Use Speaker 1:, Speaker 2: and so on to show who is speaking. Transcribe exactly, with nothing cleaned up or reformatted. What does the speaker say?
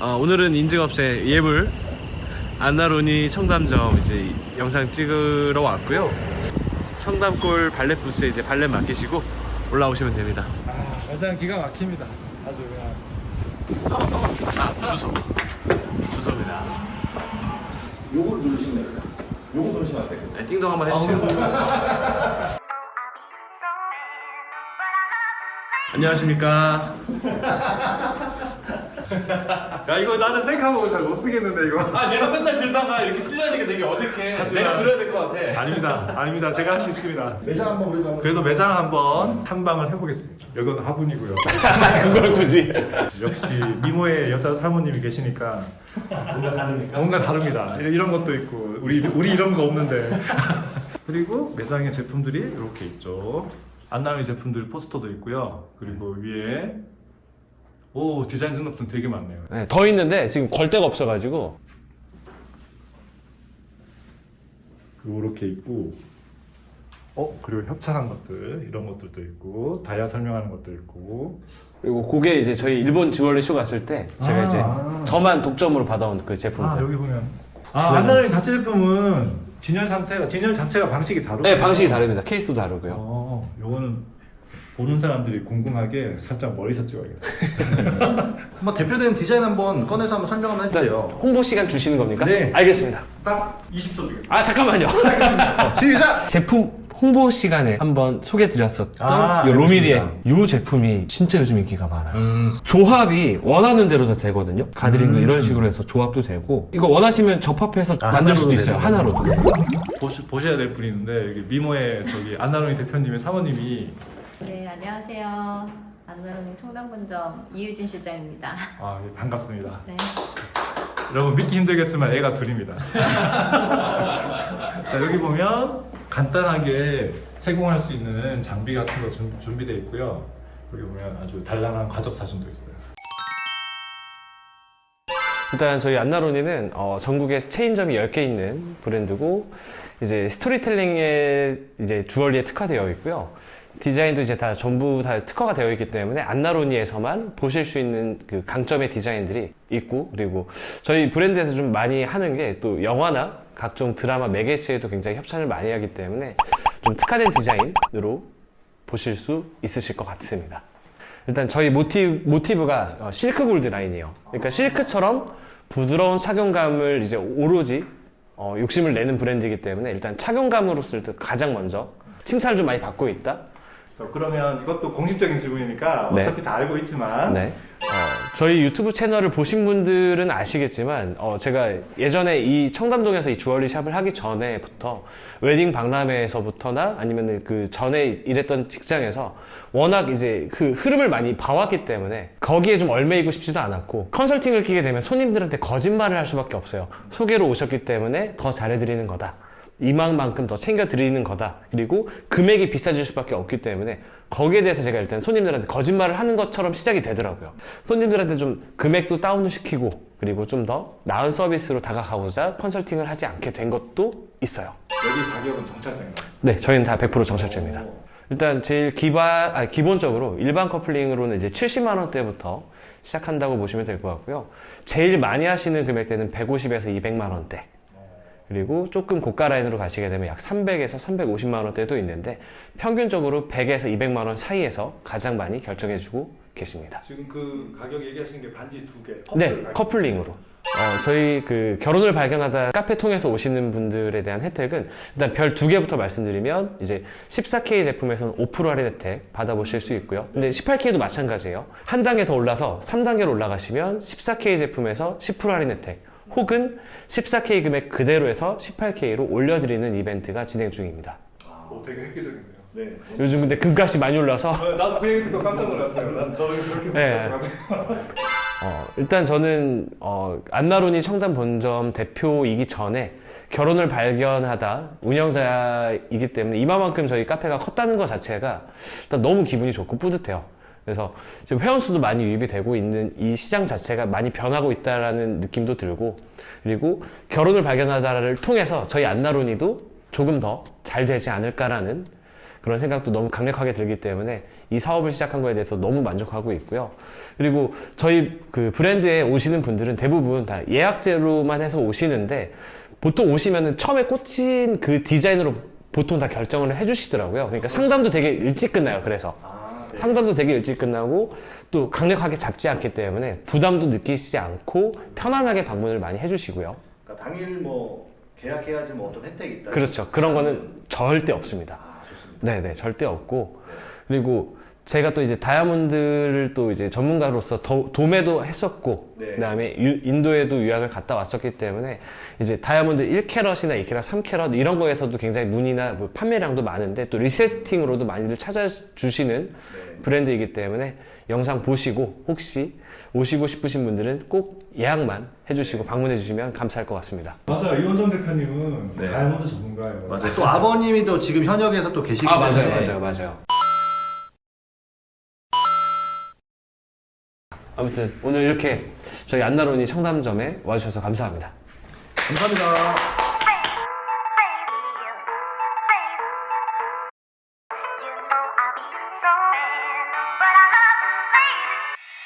Speaker 1: 어, 오늘은 인증업체 예물 안나로니 청담점 이제 영상 찍으러 왔고요. 청담골 발렛 부스에 이제 발렛 맡기시고 올라오시면 됩니다.
Speaker 2: 아, 매장 기가 막힙니다. 아주 그냥.
Speaker 1: 아, 주소. 주소입니다.
Speaker 3: 요걸 누르시면 됩니다. 요거 누르시면 안 돼요.
Speaker 1: 네, 띵동 한번 해주세요. 안녕하십니까.
Speaker 2: 야, 이거 나는 생각하고 잘 못 쓰겠는데 이거.
Speaker 1: 아, 내가 맨날 들다가 이렇게 쓰려니까 되게 어색해.
Speaker 2: 하지마.
Speaker 1: 내가 들어야 될 것 같아.
Speaker 2: 아닙니다. 아닙니다. 제가 할 수 있습니다.
Speaker 3: 매장 한번 그래도 한번.
Speaker 2: 그래도 매장을 한번 탐방을 해보겠습니다. 여기는 화분이고요.
Speaker 1: 그걸 굳이.
Speaker 2: 역시 미모의 여자 사모님이 계시니까
Speaker 1: 뭔가 다릅니까?
Speaker 2: 뭔가 다릅니다. 이런 것도 있고 우리 우리 이런 거 없는데. 그리고 매장에 제품들이 이렇게 있죠. 안나로니 제품들 포스터도 있고요. 그리고 위에 오 디자인 등록증 되게 많네요.
Speaker 1: 네, 더 있는데 지금 걸 데가 없어가지고.
Speaker 2: 이렇게 있고, 어 그리고 협찬한 것들 이런 것들도 있고 다이아 설명하는 것도 있고.
Speaker 1: 그리고 그게 이제 저희 일본 주얼리 쇼 갔을 때 제가
Speaker 2: 아,
Speaker 1: 이제
Speaker 2: 아.
Speaker 1: 저만 독점으로 받아온 그 제품들.
Speaker 2: 아 여기 보면 아 안나로니 자체 제품은 진열 상태가 진열 자체가 방식이 다르고.
Speaker 1: 네, 방식이 다릅니다. 케이스도 다르고요.
Speaker 2: 어 요거는 보는 사람들이 궁금하게 살짝 멀리서 찍어야겠어요.
Speaker 3: 한번 대표되는 디자인 한번 꺼내서 한번 설명 한번
Speaker 1: 일단
Speaker 3: 해주세요.
Speaker 1: 홍보 시간 주시는 겁니까?
Speaker 3: 네.
Speaker 1: 알겠습니다.
Speaker 2: 딱 이십 초 드리겠습니다.
Speaker 1: 아, 잠깐만요.
Speaker 3: 시작!
Speaker 1: 제품 홍보 시간에 한번 소개드렸었던
Speaker 3: 아,
Speaker 1: 요 로미리의
Speaker 3: 알겠습니다.
Speaker 1: 이 제품이 진짜 요즘 인기가 많아요. 음. 조합이 원하는 대로 다 되거든요. 가드링도
Speaker 3: 음.
Speaker 1: 이런 식으로 해서 조합도 되고, 이거 원하시면 접합해서
Speaker 3: 아,
Speaker 1: 만들 수도
Speaker 3: 하나로도
Speaker 1: 있어요.
Speaker 3: 되는
Speaker 1: 하나로도.
Speaker 2: 보시, 보셔야 될 분이 있는데 여기 미모의 저기 안나로니 대표님의 사모님이
Speaker 4: 네, 안녕하세요. 안나로니 청담본점 이유진 실장입니다.
Speaker 2: 아 예, 반갑습니다.
Speaker 4: 네.
Speaker 2: 여러분 믿기 힘들겠지만 애가 둘입니다. 자 여기 보면 간단하게 세공할 수 있는 장비 같은 거 준, 준비되어 있고요. 여기 보면 아주 단란한 과적 사진도 있어요.
Speaker 1: 일단 저희 안나로니는 어, 전국에 체인점이 열 개 있는 브랜드고, 이제 스토리텔링에 이제 주얼리에 특화되어 있고요. 디자인도 이제 다 전부 다 특화가 되어 있기 때문에 안나로니에서만 보실 수 있는 그 강점의 디자인들이 있고, 그리고 저희 브랜드에서 좀 많이 하는 게 또 영화나 각종 드라마 매개체에도 굉장히 협찬을 많이 하기 때문에 좀 특화된 디자인으로 보실 수 있으실 것 같습니다. 일단 저희 모티브, 모티브가 어, 실크 골드 라인이에요. 그러니까 실크처럼 부드러운 착용감을 이제 오로지 어, 욕심을 내는 브랜드이기 때문에 일단 착용감으로서 가장 먼저 칭찬을 좀 많이 받고 있다.
Speaker 2: 자, 그러면 이것도 공식적인 질문이니까
Speaker 1: 네.
Speaker 2: 어차피 다 알고 있지만
Speaker 1: 네. 어, 저희 유튜브 채널을 보신 분들은 아시겠지만, 어, 제가 예전에 이 청담동에서 이 주얼리 샵을 하기 전에부터 웨딩 박람회에서부터나 아니면 그 전에 일했던 직장에서 워낙 이제 그 흐름을 많이 봐왔기 때문에 거기에 좀 얽매이고 싶지도 않았고, 컨설팅을 끼게 되면 손님들한테 거짓말을 할 수밖에 없어요. 소개로 오셨기 때문에 더 잘해드리는 거다. 이만큼 더 챙겨드리는 거다. 그리고 금액이 비싸질 수밖에 없기 때문에 거기에 대해서 제가 일단 손님들한테 거짓말을 하는 것처럼 시작이 되더라고요. 손님들한테 좀 금액도 다운을 시키고, 그리고 좀 더 나은 서비스로 다가가고자 컨설팅을 하지 않게 된 것도 있어요.
Speaker 2: 여기 가격은 정찰제인가요?
Speaker 1: 네, 저희는 다 백 퍼센트 정찰제입니다. 일단 제일 기반, 아, 기본적으로 일반 커플링으로는 이제 칠십만 원대부터 시작한다고 보시면 될 것 같고요. 제일 많이 하시는 금액대는 백오십에서 이백만 원대. 그리고 조금 고가 라인으로 가시게 되면 약 삼백에서 삼백오십만 원대도 있는데, 평균적으로 백에서 이백만 원 사이에서 가장 많이 결정해주고 계십니다.
Speaker 2: 지금 그 가격 얘기하시는 게 반지 두 개.
Speaker 1: 네, 커플링으로. 어, 저희 그 결혼을 발견하다 카페 통해서 오시는 분들에 대한 혜택은 일단 별 두 개부터 말씀드리면, 이제 십사 케이 제품에서는 오 퍼센트 할인 혜택 받아보실 수 있고요. 근데 십팔 케이도 마찬가지예요. 한 단계 더 올라서 삼 단계로 올라가시면 십사 케이 제품에서 십 퍼센트 할인 혜택, 혹은 십사 케이 금액 그대로 해서 십팔 케이로 올려드리는 이벤트가 진행 중입니다.
Speaker 2: 오, 되게 획기적이네요. 네.
Speaker 1: 요즘 근데 금값이 많이 올라서
Speaker 2: 어, 나도 그 얘기 듣고 깜짝 놀랐어요. 난 저는 그렇게
Speaker 1: 네. 어, 일단 저는 어, 안나로니 청담 본점 대표이기 전에 결혼을 발견하다 운영자이기 때문에 이만큼 저희 카페가 컸다는 것 자체가 일단 너무 기분이 좋고 뿌듯해요. 그래서 지금 회원수도 많이 유입이 되고 있는 이 시장 자체가 많이 변하고 있다라는 느낌도 들고, 그리고 결혼을 발견하다를 통해서 저희 안나로니도 조금 더 잘 되지 않을까라는 그런 생각도 너무 강력하게 들기 때문에 이 사업을 시작한 거에 대해서 너무 만족하고 있고요. 그리고 저희 그 브랜드에 오시는 분들은 대부분 다 예약제로만 해서 오시는데 보통 오시면은 처음에 꽂힌 그 디자인으로 보통 다 결정을 해주시더라고요. 그러니까 상담도 되게 일찍 끝나요. 그래서
Speaker 3: 아, 네.
Speaker 1: 상담도 되게 일찍 끝나고 또 강력하게 잡지 않기 때문에 부담도 느끼시지 않고 편안하게 방문을 많이 해주시고요.
Speaker 3: 그러니까 당일 뭐 계약해야지 뭐 어떤 혜택이 있다.
Speaker 1: 그렇죠. 그런 거는 절대 없습니다.
Speaker 3: 아, 좋습니다.
Speaker 1: 네네, 절대 없고. 그리고 제가 또 이제 다이아몬드를 또 이제 전문가로서 도, 도매도 했었고,
Speaker 3: 네.
Speaker 1: 그 다음에 인도에도 유학을 갔다 왔었기 때문에 이제 다이아몬드 일 캐럿이나 이 캐럿, 삼 캐럿 이런 거에서도 굉장히 문의나 뭐 판매량도 많은데 또 리세팅으로도 많이들 찾아주시는
Speaker 3: 네.
Speaker 1: 브랜드이기 때문에 영상 보시고 혹시 오시고 싶으신 분들은 꼭 예약만 해주시고 방문해 주시면 감사할 것 같습니다.
Speaker 2: 맞아요. 이원정 대표님은
Speaker 3: 네.
Speaker 2: 다이아몬드 전문가예요.
Speaker 3: 맞아요. 또 아버님이 또 지금 현역에서 또 계시기
Speaker 1: 아, 맞아요,
Speaker 3: 때문에
Speaker 1: 맞아요, 맞아요. 아무튼 오늘 이렇게 저희 안나론이 청담점에 와주셔서 감사합니다.
Speaker 3: 감사합니다.